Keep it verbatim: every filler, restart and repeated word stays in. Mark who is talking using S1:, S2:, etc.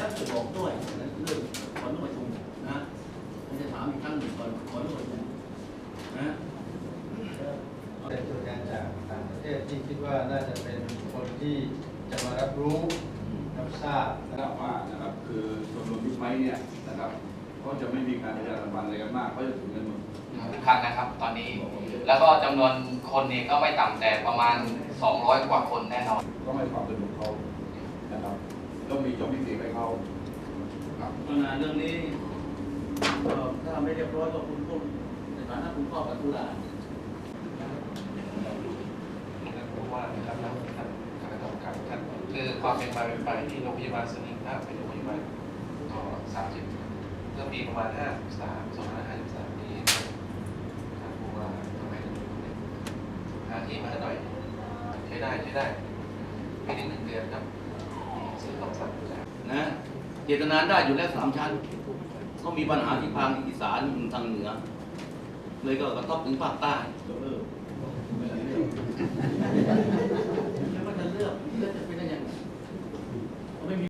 S1: จะบอกด้วยเรื่องขออนุญาตประชุมนะไม่จะถามอีกครั้งหนึ่งก่อนขออนุญาตประชุมนะ
S2: เป็นตัวแทนจากต่างประเทศที่คิดว่าน่าจะเป็นคนที่จะมารับรู้รับทราบ
S3: นะครับว่านะครับคือชมรมบิ๊กไบค์เนี่ยนะครับก็จะไม่มีการประชาสัมพันธ์อะไรกันมากเขาจะถึงกันหมด
S4: ทุกครั้งนะครับตอนนี้แล้วก็จำนวนคนนี่ก็ไม่ต่ำแต่ประมาณสองร้อยกว่าคนแน่นอน
S3: ต้องให้ความสะดวกเขานะครับต้องมีจบพิเศษให้เขาครับ
S1: ปัญหาเรื่องนี้ถ้าไม่เรียบร้อยก็คุณต้องในฐานะคุณพ่อกับตุลา
S5: ผู้ว่านะครับท่านท่านคณะกรรมการท่านคือความเป็นมาเป็นไปที่โรงพยาบาลสนิมถ้าเป็นโรงพยาบาลต่อสามสิบเมื่อปีประมาณห้าสามสองพันห้าสิบสามนี้ท่านผู้ว่าทำไมถึงหาที่มาให้หน่อยใช้ได้ใช้ได้ไม่ถึงหนึ่งเดือนครับซื้อของสั่ง
S1: นะเจตนาได้อยู่แล้วสามชั้นก็มีปัญหาที่ทางอีสานทางเหนือเลยก็กระทบถึงภาคใต้